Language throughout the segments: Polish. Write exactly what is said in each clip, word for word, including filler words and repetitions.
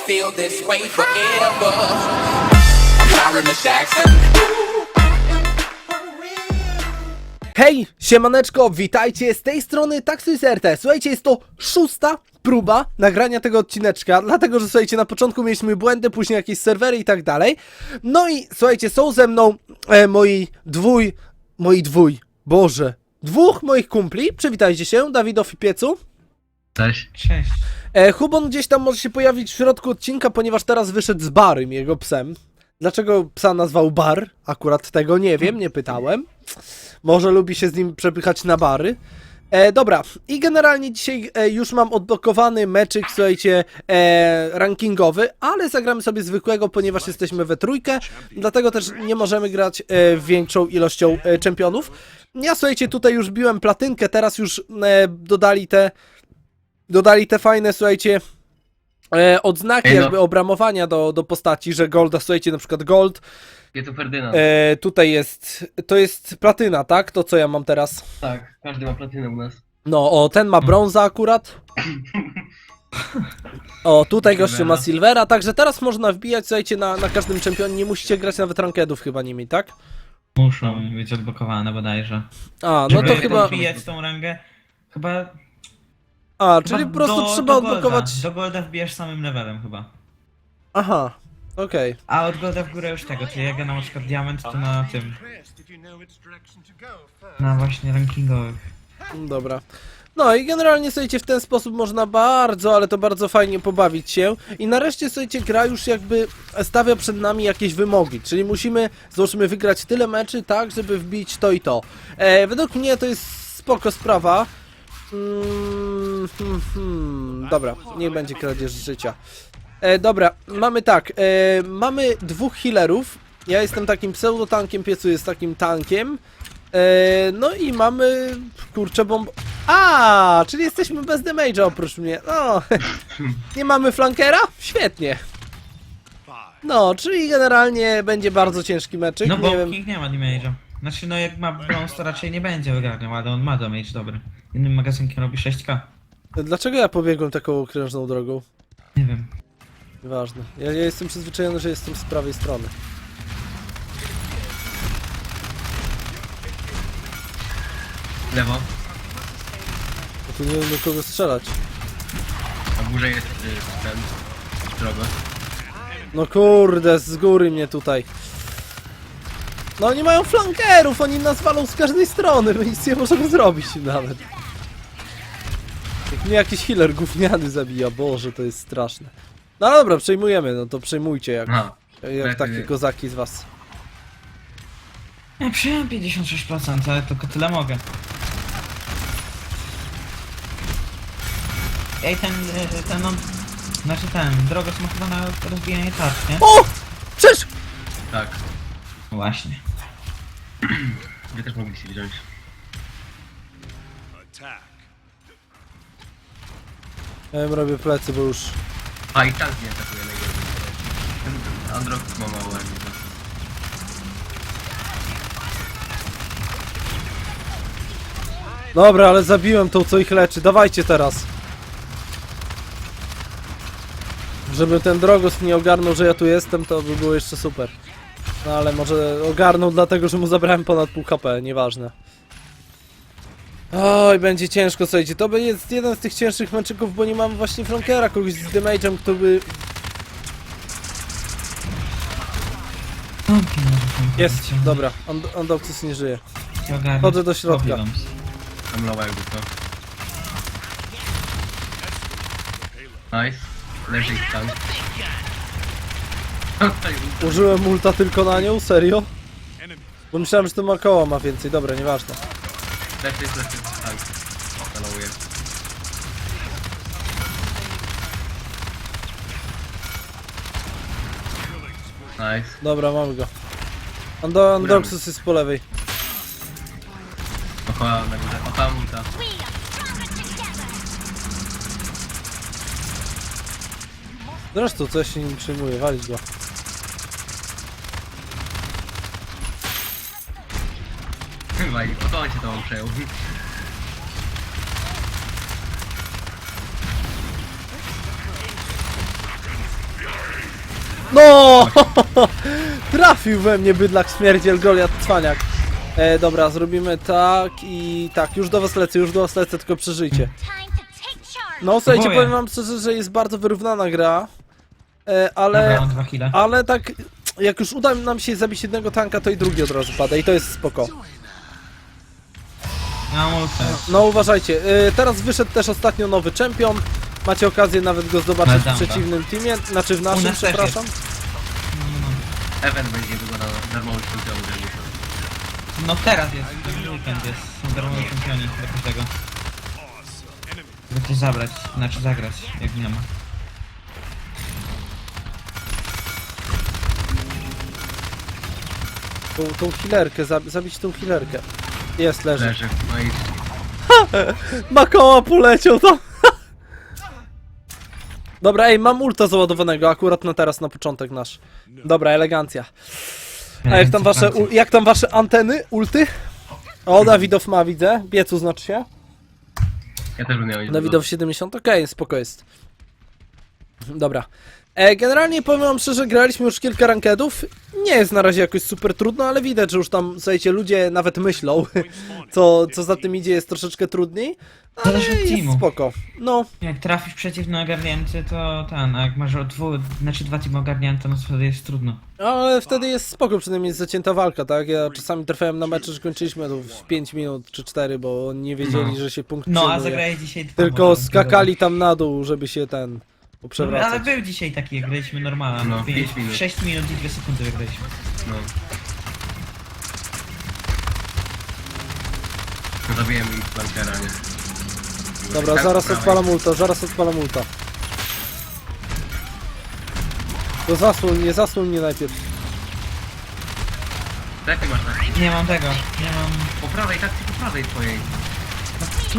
feel this way forever. Baroness Jackson. Hej, siemaneczko, witajcie z tej strony Taxus R T. Słuchajcie, jest to szósta próba nagrania tego odcineczka, dlatego że słuchajcie, na początku mieliśmy błędy, później jakieś serwery i tak dalej. No i słuchajcie, są ze mną e, moi dwój, moi dwój, boże, dwóch moich kumpli. Przywitajcie się, Dawidow i Piecu. Cześć. Cześć. E, Hubon gdzieś tam może się pojawić w środku odcinka, ponieważ teraz wyszedł z Barym, jego psem. Dlaczego psa nazwał Bar? Akurat tego nie wiem, nie pytałem. Może lubi się z nim przepychać na bary. E, dobra, i generalnie dzisiaj e, już mam odblokowany meczyk, słuchajcie, e, rankingowy, ale zagramy sobie zwykłego, ponieważ jesteśmy we trójkę, dlatego też nie możemy grać e, większą ilością e, czempionów. Ja, słuchajcie, tutaj już biłem platynkę, teraz już e, dodali te, dodali te fajne, słuchajcie, e, odznaki Ej, no. jakby obramowania do, do postaci, że golda, słuchajcie, na przykład gold. Jest Ferdynand. E, tutaj jest, to jest platyna, tak? To co ja mam teraz? Tak, każdy ma platynę u nas. No, o, ten ma brąza akurat. O, tutaj gościu ma silvera, także teraz można wbijać, słuchajcie, na, na każdym czempionie, nie musicie grać nawet rankedów chyba nimi, tak? Muszą być odblokowane bodajże. A, no to Żeby chyba... wbijać tą rangę, chyba... A, chyba czyli po prostu do, trzeba do golda. odblokować... Do golda wbijasz samym levelem chyba. Aha, okej. A od golda w górę już tego, czyli jak ja na przykład diament, to na tym... Na właśnie rankingowych. Dobra. No i generalnie, słuchajcie, w ten sposób można bardzo, ale to bardzo fajnie pobawić się. I nareszcie, słuchajcie, gra już jakby stawia przed nami jakieś wymogi, czyli musimy, załóżmy, wygrać tyle meczy, tak, żeby wbić to i to. E, według mnie to jest spoko sprawa. Mm, hmm, hmm, dobra, niech będzie kradzież życia. E, dobra, mamy tak, e, mamy dwóch healerów. Ja jestem takim pseudotankiem, Piecu jest takim tankiem. E, no i mamy, kurczę, bomb... A, czyli jesteśmy bez damage'a oprócz mnie. No, nie mamy flankera? Świetnie. No, czyli generalnie będzie bardzo ciężki meczyk, No nie bo wiem. King nie ma damage'a. Znaczy no jak ma brąz to raczej nie będzie wygarniał, ale on ma damage dobry. Innym magazynkiem robi sześć ka. Dlaczego ja pobiegłem taką okrężną drogą? Nie wiem. Nieważne. Ja, ja jestem przyzwyczajony, że jestem z prawej strony. Lewo. Bo tu nie wiem do kogo strzelać. A w górze jest y, ten. Droga. No kurde, z góry mnie tutaj. No oni mają flankerów, oni nas walą z każdej strony, my nic nie możemy zrobić im nawet. Jak mnie jakiś healer gówniany zabija, Boże, to jest straszne. No ale dobra, przejmujemy, no to przejmujcie jak, Aha. jak tak, takie nie. kozaki z was. Ja przyjąłem pięćdziesiąt sześć procent, ale tylko tyle mogę. Ej, ten, y, ten, no, znaczy ten, droga ma chyba na rozbijanie tarcz, nie? O! Przecież! Tak. No właśnie. Wy też mogliście wziąć. Ja im robię plecy, bo już... A i tank nie atakuje najgorzej. Ten Androx ma mało energii. Dobra, ale zabiłem tą, co ich leczy, dawajcie teraz. Żeby ten Drogos nie ogarnął, że ja tu jestem, to by było jeszcze super. No ale może ogarnął dlatego, że mu zabrałem ponad pół H P, nieważne. Oj, będzie ciężko, słuchajcie, to jest jeden z tych cięższych meczyków, bo nie mam właśnie flankera, kogoś z damage'em, kto by... Jest, dobra, Undoxus nie żyje. Chodzę do środka. Tam lowa jakby to. Nice. Leży ich tank. Użyłem ulta tylko na nią, serio? Bo myślałem, że to ma koła ma więcej, dobra, nieważne. Leży jest leży tank. Stalowuje. Nice. Dobra, mamy go. Ando Undoxus jest po lewej. Okoła na górze. Okoła multa. Zresztą, co ja się nim przejmuję, walić go. Chyba i po to on się to przejął. No! Trafił we mnie bydlak śmierdziel Goliat Cwaniak. E, dobra, zrobimy tak i tak, już do was lecę, już do was lecę, tylko przeżyjcie. Time to take charge. No słuchajcie, Próbuję. powiem wam szczerze, że jest bardzo wyrównana gra, e, Dobra, ale, mam dwa kile. ale tak, jak już uda nam się zabić jednego tanka, to i drugi od razu pada i to jest spoko. Mam ultę. No uważajcie, e, teraz wyszedł też ostatnio nowy czempion, macie okazję nawet go zobaczyć w Madamba. przeciwnym teamie, znaczy w U naszym, nas też przepraszam. No, no, no. Event będzie wyglądał darmowy czempion. No teraz jest, ten weekend jest, są darmowe czempioni do każdego. Żeby coś zabrać, znaczy zagrać, jak nie ma. Tą, tą healerkę, zab zabić tą healerkę. Jest, leży. Leży. No i Makoła poleciał tam. Dobra, ej, mam ulta załadowanego, akurat na teraz, na początek nasz. Dobra, elegancja. A jak tam wasze, u, jak tam wasze anteny, ulty? O, Dawidow ma, widzę. Biecu znaczy się. ja też bym miał iść. Dawidow siedemdziesiąt, okej, spoko jest. Dobra. E, generalnie powiem wam szczerze, graliśmy już kilka rankedów. Nie jest na razie jakoś super trudno, ale widać, że już tam, słuchajcie, ludzie nawet myślą, co, co za tym idzie, jest troszeczkę trudniej. Ale Zależy od jest teamu. spoko. No, Jak trafisz przeciwny ogarnięty, to ten, a jak masz o dwu, znaczy dwa teamy ogarnięte, no to wtedy jest trudno. ale wtedy jest spoko, przynajmniej jest zacięta walka, tak? Ja czasami trafiałem na mecze, że kończyliśmy to w pięć minut czy cztery, bo nie wiedzieli, No. że się punkt No, a przyjmuje. zagrałeś dzisiaj dwa Tylko moda, skakali tam na dół, żeby się ten No, ale poprzewracać. był dzisiaj taki, jak graliśmy normalnie, No, no, pięć minut. sześć minut i dwie sekundy wygraliśmy. No. No zabiłem ich flankera, nie? Dobra, Tak, zaraz po prawej. odpalam ulta, zaraz odpalam ulta. To zasłoń mnie, zasłoń mnie najpierw. Lepiej masz tak? Nie mam tego, nie mam... Po prawej, tak po prawej twojej. No, tu.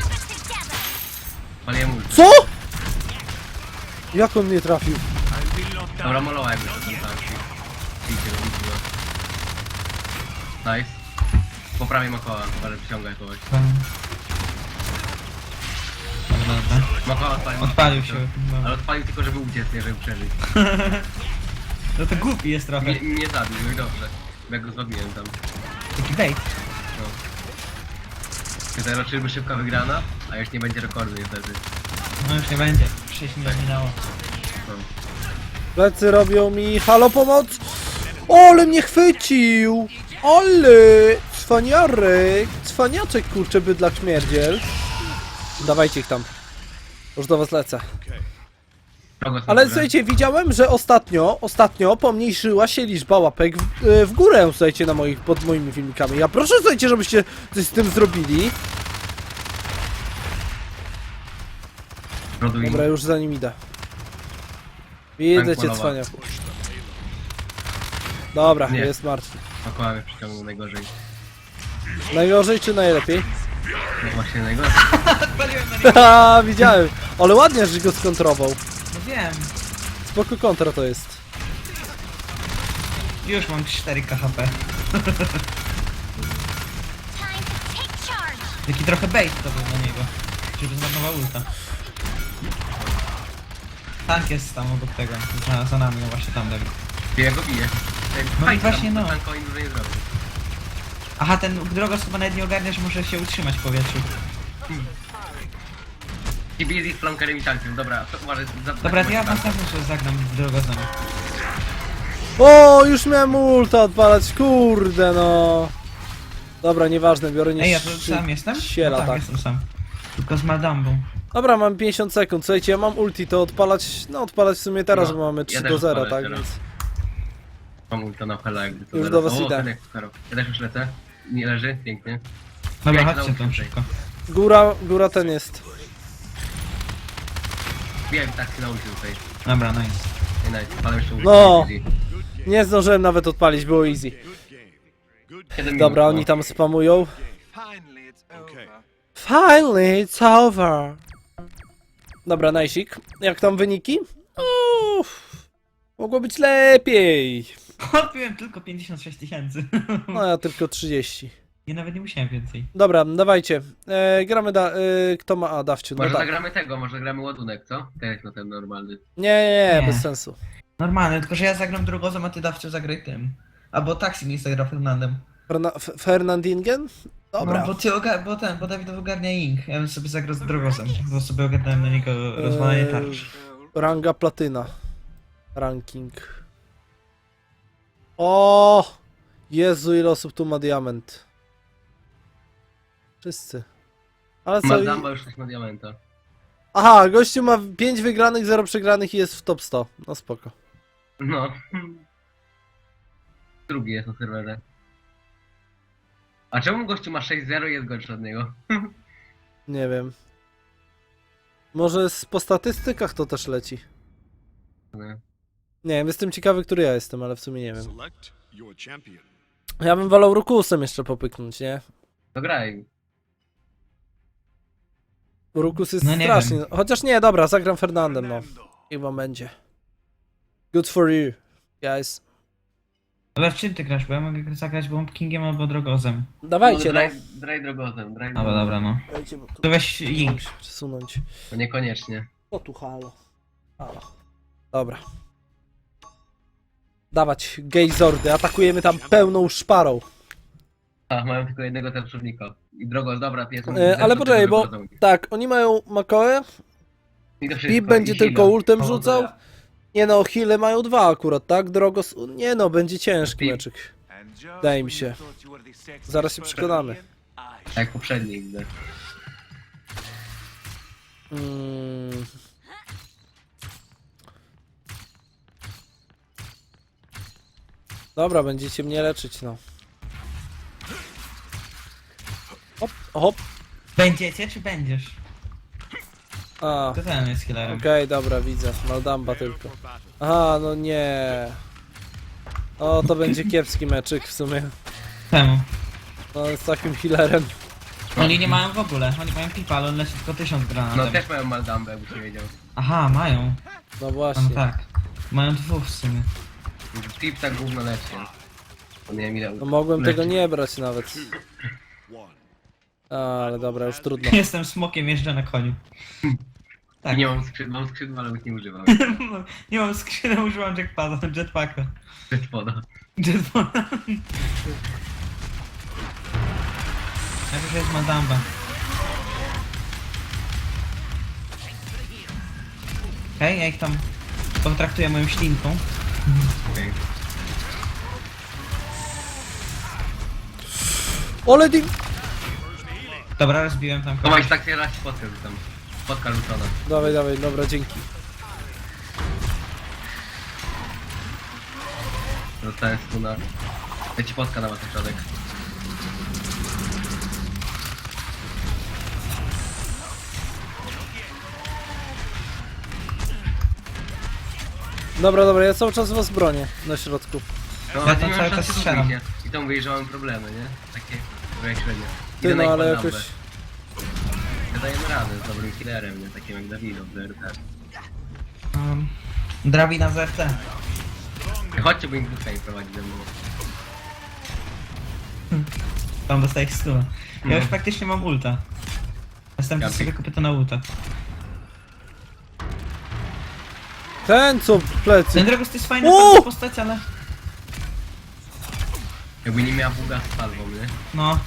Paliłem ulti. Co?! Jak on mnie trafił? Dobra, molowałem już ten tank. Widzicie, widzicie. Nice. Po prawej Makoła, ale przyciąga kogoś. Dobra, dobra. Makoła odpalił. Odpalił się. Ale odpalił tylko, żeby uciec, nie żeby przeżyć. No to głupi jest trochę. Nie, nie zabił, no i dobrze. Jak go złabiłem tam. Taki bait. No. Tutaj raczej szybka wygrana, a już nie będzie rekordu niestety. No już nie będzie. sześć minut minęło. No. Plecy robią mi... Halo, pomoc! Ole mnie chwycił! Ole! Cwaniarek! Cwaniaczek, kurczę, bydlak śmierdziel. Dawajcie ich tam. Już do was lecę. Kogo są Ale dobre? słuchajcie, widziałem, że ostatnio, ostatnio pomniejszyła się liczba łapek w, e, w górę, słuchajcie, na moich, pod moimi filmikami. Ja proszę, słuchajcie, żebyście coś z tym zrobili. Roduin. Dobra, już za nim idę. Widzę Tank cię, malowa. cwaniaku. Dobra, Nie. jest martwy. Makoła mnie przyciągnął najgorzej. Najgorzej czy najlepiej? No właśnie najgorzej. Odpaliłem na niego. Haha, widziałem. Ale ładnie, że go skontrował. No wiem. Spoko kontra to jest. Już mam cztery K H P. Time to take charge. Taki trochę bait to był na niego. Żeby zmarnował ulta. Tank jest tam obok tego. Za, za nami, no właśnie tam Dawid. Ja go biję. No Fajnie, właśnie, tam, no. Tanko im dużo nie zrobił. Aha, ten drogos chyba nawet nie ogarnia, że może się utrzymać w powietrzu. I busy z flankerem i tankiem, dobra, to uważaj za... Dobra, to ja za- następny że zagram drogosem. O, już miałem ulta odpalać, kurde no. Dobra, nieważne, biorę nie Ej, ja tu sam jestem? Siela, No tak, tak. jestem sam. Tylko z Madambą. Dobra, mam pięćdziesiąt sekund, słuchajcie, ja mam ulti, to odpalać, no odpalać w sumie teraz, No, bo mamy ja trzy też do zera, odpalę tak, teraz. więc... Mam ulta na hela jakby to Już zaraz. do was O, idę. Henek, Karol. Ja też już lecę. Nie leży, pięknie. Dobra, Ja się chodźcie tam nauczę szybko. Góra, góra ten jest. Wiem, tak się nauczył tutaj. Dobra, nice. Ej, nice, ale jeszcze ulti. No. Easy. Nie zdążyłem nawet odpalić, było easy. siedem minut, Dobra, no. oni tam spamują. Finally, it's over. Finally, it's over. Dobra, najsik. Jak tam wyniki? Uff, mogło być lepiej. Odpiłem tylko pięćdziesiąt sześć tysięcy. No ja tylko trzydzieści. Ja nawet nie musiałem więcej. Dobra, dawajcie. E, gramy da... E, kto ma... A, dawciu. No Może tak. zagramy tego, może zagramy ładunek, co? Teraz na ten normalny. Nie, nie, nie, Nie. bez sensu. Normalne, tylko że ja zagram drogozem, a ty dawcie zagraj tym. Albo taksi mi zagra Fernandem. Ferna F Fernandingen? Dobra. No, bo, ty oga- bo ten, bo Dawid ogarnia Ink. Ja bym sobie zagrał z drogozem, bo sobie ogarnąłem na niego rozwalanie Eee, tarcz. Ranga platyna. Ranking. O! Jezu, ile osób tu ma diament. Wszyscy. Ale co? Madamba już coś ma diamenta. Aha, gościu ma pięć wygranych, zero przegranych i jest w top sto. No spoko. No. Drugi jest na serwerze. A czemu gościu ma sześć zero i jest gorszy od niego? Nie wiem. Może z- po statystykach to też leci. Nie. Nie wiem, jestem ciekawy, który ja jestem, ale w sumie nie wiem. Select your champion. Ja bym wolał Rukusem jeszcze popyknąć, nie? To graj. Rukus jest No nie strasznie. wiem. Chociaż nie, dobra, zagram Fernandem, no. Chyba będzie. Good for you, guys. Ale w czym ty grasz? Bo ja mogę zagrać Bomb Kingiem albo drogozem. Dawajcie, no. Draj, draj drogozem, draj Dobra, drogozem. dobra, no. Dajcie, bo tu To weź Ink. przesunąć. To niekoniecznie. O tu halo. Halo. Dobra. Dawać gejzordy, atakujemy tam pełną szparą. A, mają tylko jednego tarczownika. I drogos, dobra, ty jest. E, ale poczekaj, bo tak, oni mają Makoe, Pip będzie tylko ultem rzucał. Nie no, heale mają dwa akurat, tak? Drogos, nie no, będzie ciężki Pip. meczyk. And just Wydaje mi when się. you thought you were the sexiest Zaraz się person przekonamy. in, I Tak jak poprzedni, widzę. Mm. Dobra, będziecie mnie leczyć, no. Hop, hop. Będziecie czy będziesz? A, To ten jest killerem. okej, dobra, widzę. Maldamba tylko. Aha, no nie. O, to będzie kiepski meczyk w sumie. Czemu? No, z takim healerem. Oni nie mają w ogóle, oni mają pipa, ale on leci tylko tysiąc No granatem. też mają Maldambę, jakbyś nie wiedział. Aha, mają. No No właśnie. tak. Mają dwóch w sumie. Pip tak gówno leci. To nie wiem ile. No mogłem leci. tego nie brać nawet. A, ale dobra, już trudno. Jestem smokiem, jeżdżę na koniu. I Tak. nie mam skrzydła, mam skrzydła, ale ich nie używam. Nie mam skrzyny, używam jackpada, jetpacka. Bez woda. Jetpada. Najpierw jest Madamba. Okej, ja ich tam potraktuję moją ślinką. Okej. Ole di... Dobra, rozbiłem tam To kogoś. masz tak raz spotkę rzucam. Spotka rzucona. Dawaj, dawaj, dobra, dzięki. Dostałem stuna. Ja ci spotka na środek. Dobra, dobra, ja cały czas was bronię na środku. No, Ja ty tam nie cały masz czas szansy strzelam. kupić, nie? I to mówię, że mam problemy, nie? Takie jak średnio. Ty Idę na no, ich ale Maldambę. jakoś... Ja dajemy radę z dobrym killerem, nie? Takim jak Dawido, w R T. Um, drabina z R T. Chodźcie, bo im dwóch nie prowadzi ze mną. Tam dostaję stuna. Ja No. już praktycznie mam ulta. Następnie Ja sobie pick. kupię to na ulta. Ten co w plecy. Ten Dragos to jest fajna Uuu! postać, ale... Jakby nie miała buga z palwą, nie? No.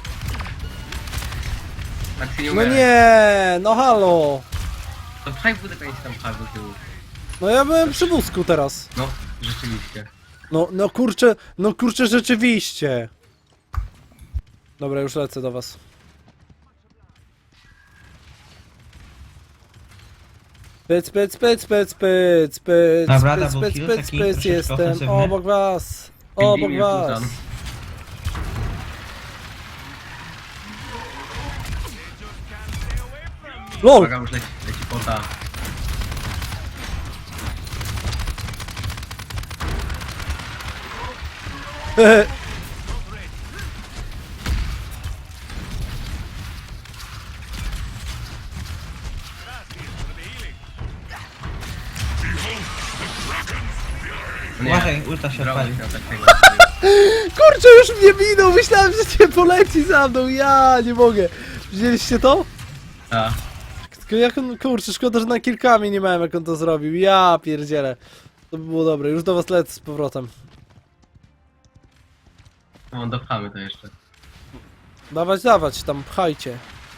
Tak się nie No umiera. nie, no halo. To pchaj budę, jak się tam pchał do tyłu. No ja byłem przy wózku teraz. No, rzeczywiście. No, no kurczę, no kurczę rzeczywiście. Dobra, już lecę do was. Pyc, pyc, pyc, pyc, pyc, pyc, Dobra, pyc, double pyc, kill, pyc, taki pyc, troszeczkę jestem ofensywny. obok was. Obok Pingwin was. rzucam. LOL! Uwaga, już leci, leci pota. Nie, Uważaj, ulta się Droga odpalił. miał takiego. Kurczę, już mnie minął, myślałem, że cię poleci za mną, ja nie mogę. Widzieliście to? A, Tylko jak on, kurczę, szkoda, że na kilkami nie miałem, jak on to zrobił, ja pierdzielę. To by było dobre, już do was lecę z powrotem. No, dopchamy to jeszcze. Dawać, dawać, tam pchajcie.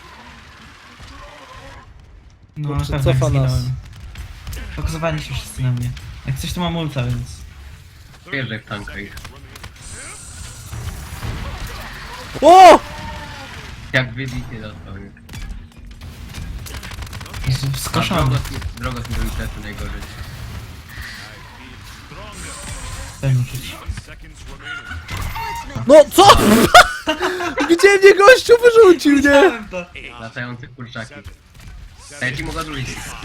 No, Kurczę, na pewno cofa jak nas. zginąłem. Fokusowali się wszyscy na mnie. Jak coś to mam ulta, więc... Wjeżdżaj w tanka ich. O! Jak wybitnie dostał. nie? Jezu, A skoszony. Drogos, Drogos mi robi plecy najgorzej. Ten uczyć. No co? Gdzie mnie gościu wyrzucił, nie? Widziałem to. Latające kurczaki. A ja ci mogę drugi.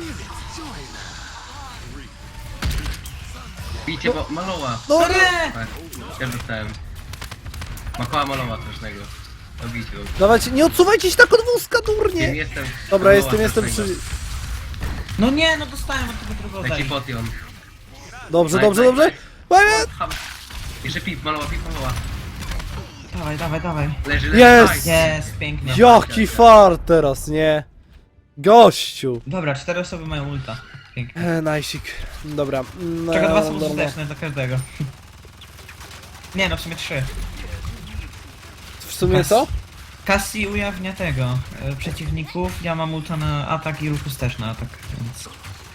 Bijcie, bo maloła. No No nie! nie! Tak, ja dostałem. Makoła maloła strasznego. Dobijcie go. Dawajcie, nie odsuwajcie się tak od wózka, Wiem, durnie! jestem. Dobra, Maloła jestem, jestem strasznego. przy... No nie, no dostałem od tego drugiego. Leci potion. Dobrze, Daj, dobrze, daj, dobrze. daj. Łamie! Ham. Jeszcze pip, maloła, pip, maloła. Dawaj, dawaj, dawaj. Leży, leży. Jest! nice. Jest, pięknie. Jaki fart teraz, nie? Gościu! Dobra, cztery osoby mają ulta. Pięknie. E, najsik. Dobra. No, Czego dwa są dobra. użyteczne dla każdego. Nie no, w sumie trzy. W sumie co? Cassie ujawnia tego, e, przeciwników, ja mam ulta na atak i Rufus też na atak, więc...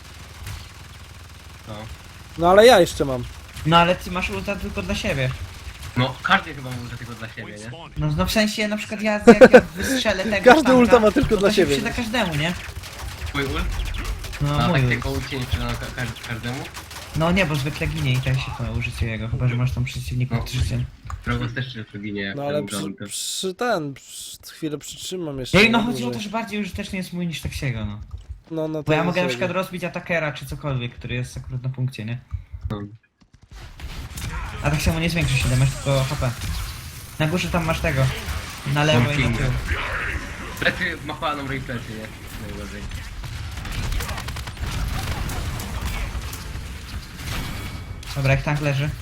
No. No ale ja jeszcze mam. No ale ty masz ulta tylko dla siebie. no, każdy chyba może tylko dla siebie, nie? No, no w sensie na przykład ja jak ja wystrzelę tego Każdy tanka, ulta ma tylko to dla to się siebie. przyda każdemu, nie? Twój ult? No A mój tak ult. tylko ult się nie przyda ka ka każdemu? No nie, bo zwykle ginie i tak się to użycie jego, chyba że masz tam przeciwników No. życie. Drogos też się ginie jak No ten ale uda przy, ultem. przy ten, przy, chwilę przytrzymam jeszcze. No i no na chodzi o to, dłużej. że bardziej użyteczny jest mój niż Taxiego, no. No, no to Bo ja jest mogę na jego. przykład rozbić atakera czy cokolwiek, który jest akurat na punkcie, nie? No. A tak samo nie zwiększy się damage, tylko H P. Na górze tam masz tego. Na lewo i na tył. Plecy, machała nam roi plecy, nie? Najgorzej. Dobra, jak tank leży.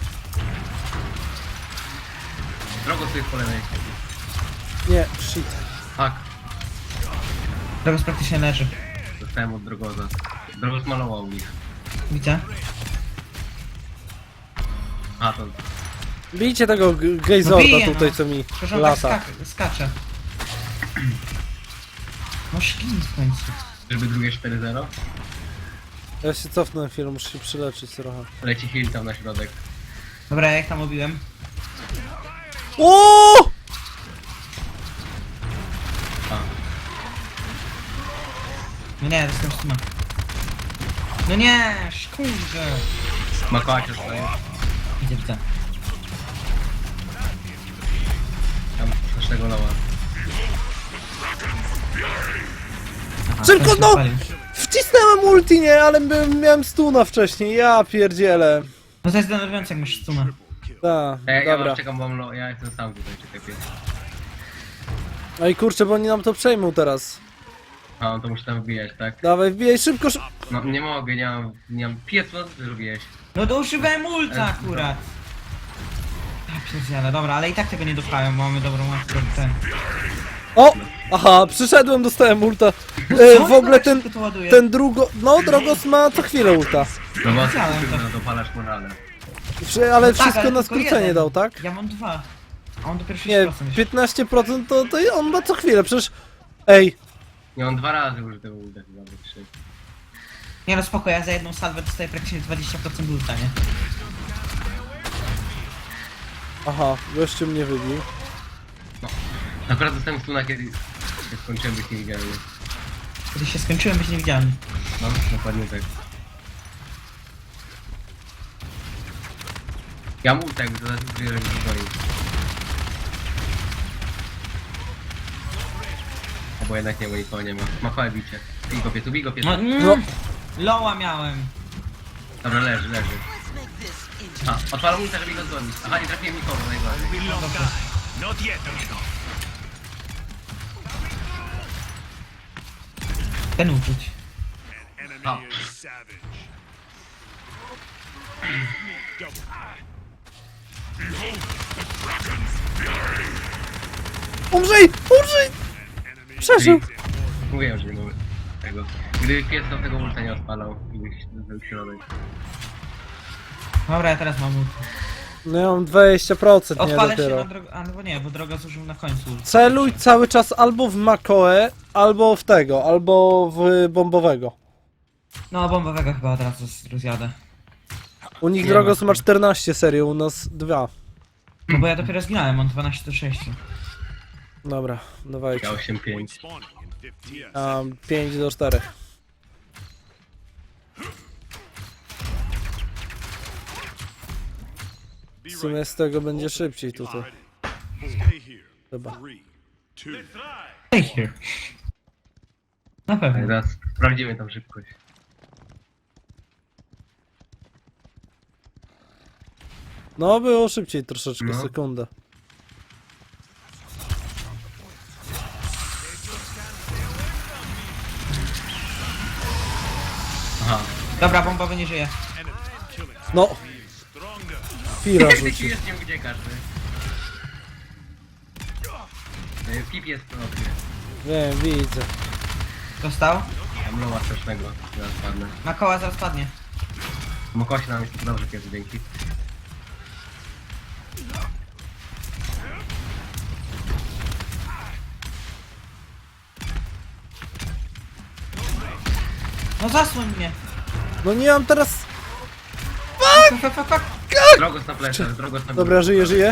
Drogos tu jest po lewej. Nie, shit. Tak, Drogos praktycznie leży. dostałem od Drogoza. Drogos malował ich. Widzę. A to... Bijcie tego g- gejzorda No bije, tutaj, no. co mi Przecież on tak lata. skak skacze. No szkin w końcu. Żeby drugie cztery zero? Ja się cofnę na chwilę, muszę się przyleczyć trochę. Leci heal tam na środek. Dobra, ja ich tam obiłem. O! A, No nie, dostałem stuma. No nie, kurde. Makoła się staje. Widzę, widzę. Tam strasznego loła. Aha, Szybko, ten się no! odpalił. Wcisnąłem ulti, nie, ale byłem, miałem stuna wcześniej, ja pierdzielę. No to jest denerwujące jak masz stuma. Ta, Ja, ja dobra. was czekam, bo mam lo... ja jestem sam tutaj, czekaj pies. No i kurczę, bo oni nam to przejmą teraz. A, on to musi tam wbijać, tak? Dawaj, wbijaj szybko, szybko. No nie mogę, nie mam... nie mam... Pies, co ty zrobiłeś? No to używałem ulta akurat. Ja pierdzielę, dobra, ale i tak tego nie dopchałem, bo mamy dobrą łatkę ten. O! Aha, przyszedłem, dostałem ulta. E, Co? w ogóle Jak ten, szybko to ładuje? ten drugo... No, Drogos ma co chwilę ulta. No bo Widziałem to. ty dopalasz morale. Wszy- Ale No tak, wszystko ale na tylko skrócenie jeden. dał, tak? Ja mam dwa. A on dopiero sześć Nie, procent. piętnaście procent to, to on ma co chwilę, przecież... Ej, Nie, on dwa razy użył tego ulta chyba, bo trzy. Nie no spoko, ja za jedną salwę dostaję praktycznie dwadzieścia procent ulta, nie? aha, gościu mnie wybił. Akurat dostałem stuna, kiedy się skończyłem być niewidzialny. Kiedy się skończyłem, być niewidzialny. No, dokładnie tak. Ja mam ulta, jakby to zaraz żeby mi dzwonił. No bo jednak nie, bo nikogo nie ma. Ma chwałę bicie. Bij go pietu, bij go pietu. No, mm, No. Loła miałem. Dobra, leży, leży. A, odpalam ulta, żeby go dzwonić. Aha, nie trafiłem nikogo, najbardziej. Not yet, amigo. Ten uczuć. Enemy Oh. is savage. Umrzyj! Umrzyj! Przeżył! Mówiłem, że nie mamy tego. Gdyby pies do tego ulta nie odpalał i byś był środek. Dobra, ja teraz mam ulta. No ja mam dwadzieścia procent, nie Odpalę się dopiero. na drogę, a no nie, bo droga zużył na końcu. Celuj cały czas albo w Makoe, albo w tego, albo w bombowego. No, bombowego chyba od razu rozjadę. U nich Nie Drogos ma. ma czternaście serio, u nas dwa. No bo ja dopiero zginąłem, mam dwanaście do sześciu. Dobra, dawajcie. Ja osiem pięć. Spawning in fifteen. Um, pięć do czterech. Be W sumie right z tego będzie szybciej tutaj. back. Stay here. Chyba. Three, two, Stay here. Na Tak, pewno. zaraz sprawdzimy tam szybkość. No było szybciej troszeczkę, No. sekundę. Aha. Dobra, bombowy nie żyje. enemy killing. No, Stronger. Fira Ty ci rzucił. jest nie uciekasz, ty. E, Pip jest w oknie. Wiem, widzę. Dostał? Tam loła strasznego. Zaraz padnę. Na koła zaraz padnie. Mokosi nam jest dobrze, kiedy dzięki. No zasłoń mnie. No nie mam teraz... Fuck, fuck, fuck, fuck. Drogos na plecach, drogos na Dobra, żyję, żyję.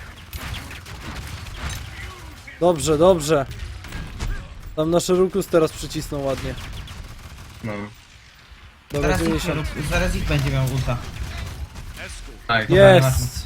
Dobrze, dobrze. Tam nasz Rukus teraz przycisnął ładnie. No. Dobra, Zaraz ich, dziewięćdziesiąt. zaraz ich będzie miał ulta. Escort. Tak, Jest!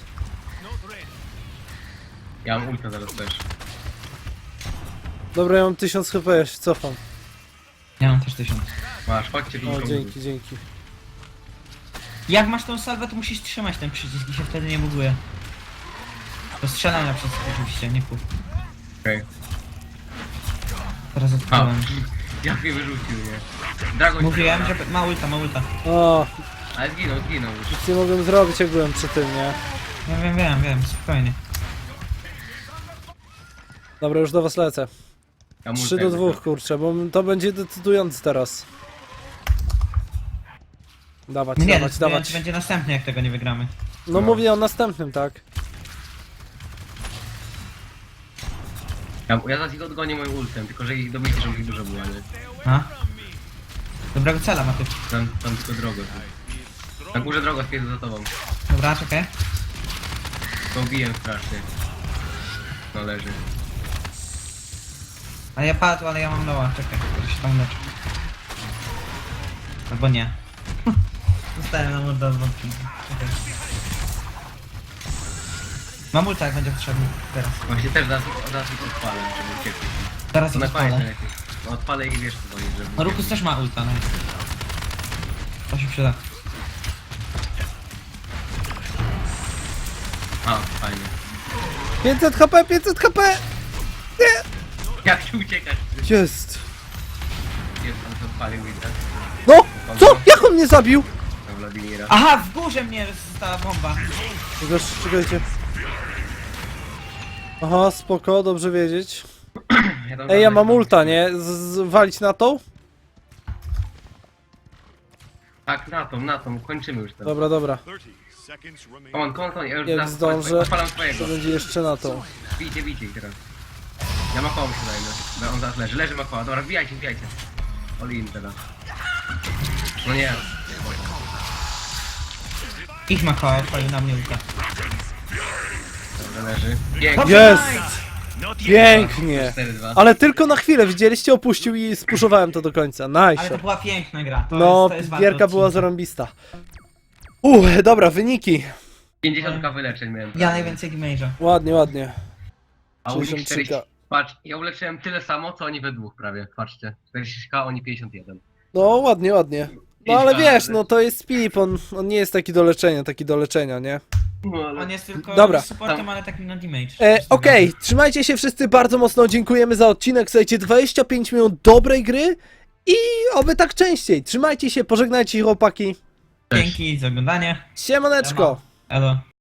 ja mam ulta zaraz też. Dobra, ja mam tysiąc H P, ja się cofam. Ja mam też tysiąc. Masz, chodźcie tu. O, dzięki, dzięki. Jak masz tą salwę, to musisz trzymać ten przycisk i się wtedy nie buguje. Do strzelania przez oczywiście, nie kup. Okej. Teraz A, odpaliłem. jak mnie wyrzucił, nie? Dragon Mówiłem, się- że ma ulta, ma ulta. O, Ale zginął, zginął już. nic nie mogłem zrobić, jak byłem przy tym, nie? Ja wiem, wiem, wiem, spokojnie. Dobra, już do was lecę. Ja mu trzy do tego- dwóch, kurczę, bo to będzie decydujący teraz. Dawać, Nie, dawać, dawać. dawać. Będzie następny, jak tego nie wygramy. No mówię o następnym, tak? Ja, ja zaraz ich odgonię moim ultem, tylko że ich dobicie, żeby ich dużo było, nie? A? Dobrego cela ma ty. Tam, tam tylko drogę. Na górze droga spieszy za tobą. Dobra, czekaj. To ubiję strasznie. No leży. A ja padł, ale ja mam loa, czekaj, to się tam leczę. Albo nie. Zostałem na mordę od wątki. Czekaj. Mam ulta, jak będzie potrzebny. Teraz. Właśnie też zaraz, zaraz ich odpalę, żeby uciekli. Teraz To ich na koniec odpalę. najlepiej. No odpalę i wiesz co to jest, żeby... No Rukus też ma ulta, no. To się przyda. A, fajnie. pięćset H P, pięćset H P! Jak się uciekać? Jest! Jest, tam się odpalił i tak. No! Co? Jak on mnie zabił? Na Wladimira. Aha, w górze mnie została bomba. Czekaj, czekajcie. Aha, spoko, dobrze wiedzieć. Ja tam Ej, ja mam tam- ulta, nie? Z, z, walić na tą? Tak, na tą, na tą, kończymy już ten. Dobra, dobra. thirty seconds remain. Kom on, kom on, ja już Jak zaraz zdążę, odpalam twojego. to będzie jeszcze na tą. Bijcie, bijcie ich teraz. Ja Makoła muszę zajmę, bo on zaraz leży. Leży Makoła, dobra, wbijajcie, wbijajcie. Olin teraz. No nie. Ich ma koła, odpalił na mnie ulta. Dobra, leży. Pięknie. Dobrze, Jest! nice. Not yet. Pięknie! cztery dwa. Ale tylko na chwilę, widzieliście? Opuścił i spuszowałem to do końca. Ale to Nice. była piękna gra. To No, jest, to jest warte gierka była odcinka. zarąbista. Uuu, dobra, wyniki. pięćdziesiąt ka wyleczeń miałem. Ja najwięcej damage'a. Ładnie, ładnie. A u nich sześćdziesiąt trzy czterdzieści. ka. Patrz, ja uleczyłem tyle samo, co oni we dwóch prawie. Patrzcie. czterdzieści ka, oni pięćdziesiąt jeden. No, ładnie, ładnie. No ale wiesz, no to jest Pip, on, on nie jest taki do leczenia, taki do leczenia, nie? No, ale... On jest tylko Dobra. supportem, Tam- ale takim na damage. E, Okej, trzymajcie się wszyscy bardzo mocno, dziękujemy za odcinek, słuchajcie, dwadzieścia pięć minut dobrej gry i oby tak częściej. Trzymajcie się, pożegnajcie chłopaki. Dzięki za oglądanie. Siemaneczko! Elo.